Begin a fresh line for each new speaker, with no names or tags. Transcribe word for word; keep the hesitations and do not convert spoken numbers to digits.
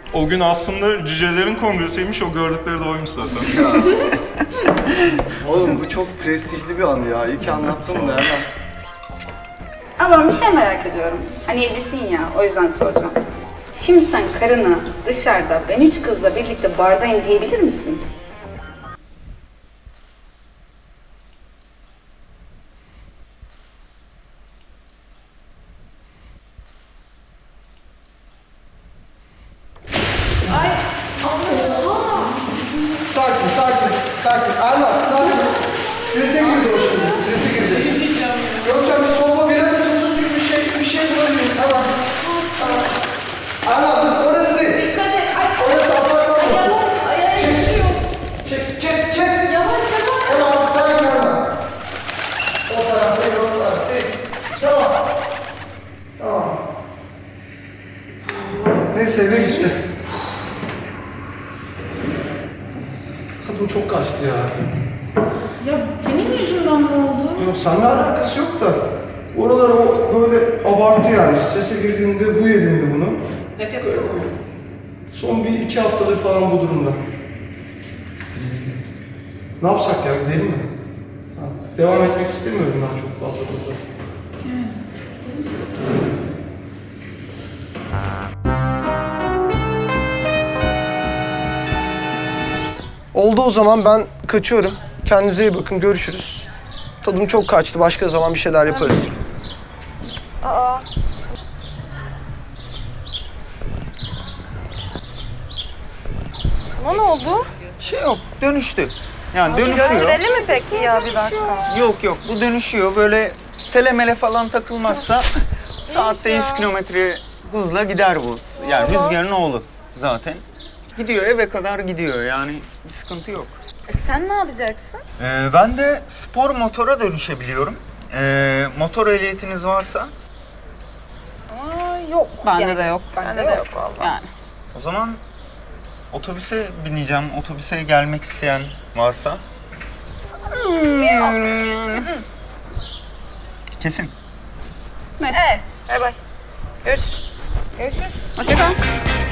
O gün aslında cücelerin kongresiymiş, o gördükleri de oymuş zaten.
Ya. Oğlum bu çok prestijli bir an ya. İyi ki anlattın da hemen.
Ama ben bir şey merak ediyorum. Hani evlisin ya, o yüzden soracağım. Şimdi sen karına dışarıda ben üç kızla birlikte bardayım diyebilir misin?
Sakin, sakin, sakin. Erman, sakin. Strese girdi o şimdi, strese girdi. Görkem, sofa bir arada sopası gibi bir şey, bir şey bulabilirim. Tamam. Tamam. Erman, dur, orası değil.
Dikkat et. Ay,
Orası apartman.
ay yavaş. Ayağa geçiyor.
Çek, çek, çek.
Yavaş yavaş.
Tamam, sakin Erman. O tarafta, o tarafta değil. Tamam. Tamam. Neyse, eve gideceğiz. Tadım çok kaçtı ya.
Ya benim yüzümden mi oldu?
Yok, seninle alakası yok da. Oralar o böyle abarttı yani. Strese girdiğinde bu yediğinde bunu.
Hep yapıyorum.
Son bir iki haftadır falan bu durumda.
Stresli.
Ne yapsak ya, gidelim mi? Ha, devam etmek istemiyorum ben çok fazla burada. Oldu o zaman, ben kaçıyorum. Kendinize iyi bakın, görüşürüz. Tadım çok kaçtı, başka zaman bir şeyler yaparız.
Ama ne oldu?
Bir şey yok, dönüştü. Yani dönüşüyor.
Gösterelim mi peki ya bir dakika?
Yok yok, bu dönüşüyor. Böyle telemele falan takılmazsa saatte yüz kilometre hızla gider bu. Yani rüzgarın oğlu zaten. Gidiyor, eve kadar gidiyor yani bir sıkıntı yok.
E sen ne yapacaksın?
Ee, ben de spor motora dönüşebiliyorum. Ee, motor ehliyetiniz varsa
Aa, yok.
Bende
yani.
de yok.
Bende de yok vallahi.
Yani.
o zaman otobüse bineceğim. Otobüse gelmek isteyen varsa. Sanmıyorum yani. Kesin.
Evet. Bay bay. Görüşürüz. Görüşürüz.
Hoşça kal.